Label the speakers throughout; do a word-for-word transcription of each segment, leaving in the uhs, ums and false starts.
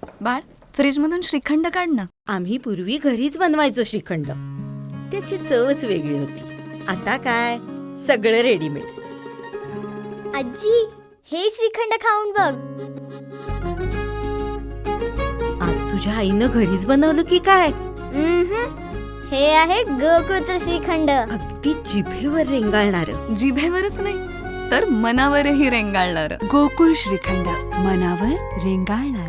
Speaker 1: बाळ, फ्रीजमधून श्रीखंड काढ ना.
Speaker 2: आम्ही पूर्वी घरीच बनवायचो श्रीखंड. त्याची चवच वेगळी होती. आता काय सगळं रेडीमेड.
Speaker 3: आजी, हे श्रीखंड खाऊन बघ.
Speaker 2: आज तुझ्या आईनं घरीच बनवलं की काय?
Speaker 3: उम्हम. हे आहे गोकुळचं श्रीखंड.
Speaker 2: अगदी जिभेवर रेंगाळणार.
Speaker 1: जिभेवरच नाही तर मनावरही रेंगाळणार.
Speaker 4: गोकुळ श्रीखंड, मनावर रेंगाळणार.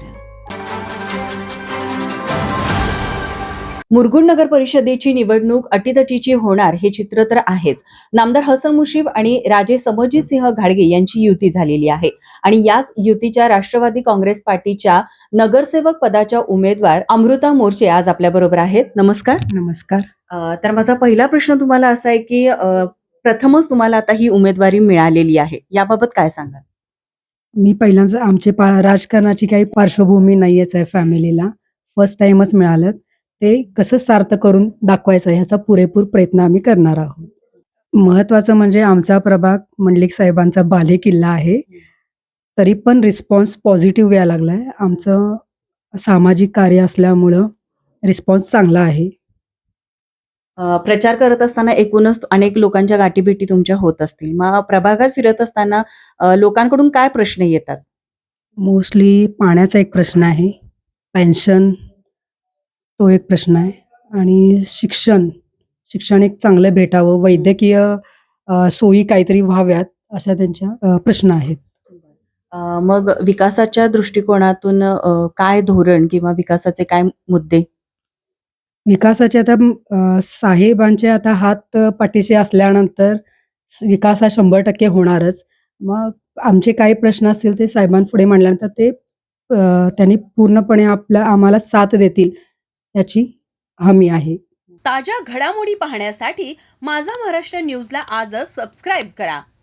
Speaker 5: मुरगुड नगर परिषदेची निवडणूक अटीतटीची होणार हे चित्र तर आहेच. नामदार हसन मुश्रीफ आणि राजे समरजितसिंह घाडगे यांची युती झालेली आहे आणि याच युतीच्या राष्ट्रवादी काँग्रेस पार्टीच्या नगरसेवक पदाच्या उमेदवार अमृता मोर्चे आज आपल्या बरोबर आहेत. नमस्कार.
Speaker 4: नमस्कार.
Speaker 5: अ, तर माझा पहिला प्रश्न तुम्हाला असा आहे की अ, प्रथमच तुम्हाला आता ही उमेदवारी मिळालेली आहे, याबाबत काय सांगाल?
Speaker 4: मी पहिल्यांदा आमचे पा राजकारणाची काही पार्श्वभूमी नाहीच आहे फॅमिलीला. फर्स्ट टाइमच मिळालं. ते कसं सार्थ करून दाखवायचं ह्याचा पुरेपूर प्रयत्न आम्ही करणार आहोत. महत्त्वाचं म्हणजे आमचा प्रभाग मंडलिक साहेबांचा बालेकिल्ला आहे. तरी पण रिस्पॉन्स पॉझिटिव्ह यायला लागला आहे. आमचं सामाजिक कार्य असल्यामुळं रिस्पॉन्स चांगला आहे.
Speaker 5: अ, प्रचार करत असताना एकूणच अनेक लोकांच्या गाठीभेटी तुमच्या होत असतील. मग प्रभागात फिरत असताना अ, लोकांकडून काय प्रश्न येतात?
Speaker 4: मोस्टली पाण्याचा एक प्रश्न आहे, पेन्शन तो एक प्रश्न आहे आणि शिक्षण शिक्षण एक चांगलं भेटावं, वैद्यकीय अ, सोयी काहीतरी व्हाव्यात अशा त्यांच्या अ, प्रश्न आहेत.
Speaker 5: अ, मग विकासाच्या दृष्टिकोनातून अ, काय धोरण किंवा विकासाचे काय मुद्दे?
Speaker 4: विकासाचे आता अ, साहेबांचे आता हात पाठीशी असल्यानंतर स- विकास हा शंभर टक्के होणारच. मग आमचे काही प्रश्न असतील ते साहेबांपुढे मांडल्यानंतर ते अ, त्यांनी पूर्णपणे आपल्या आम्हाला साथ देतील याची हमी आहे.
Speaker 6: ताज्या घडामोडी पाहण्यासाठी माझा महाराष्ट्र न्यूजला आजच सबस्क्राईब करा.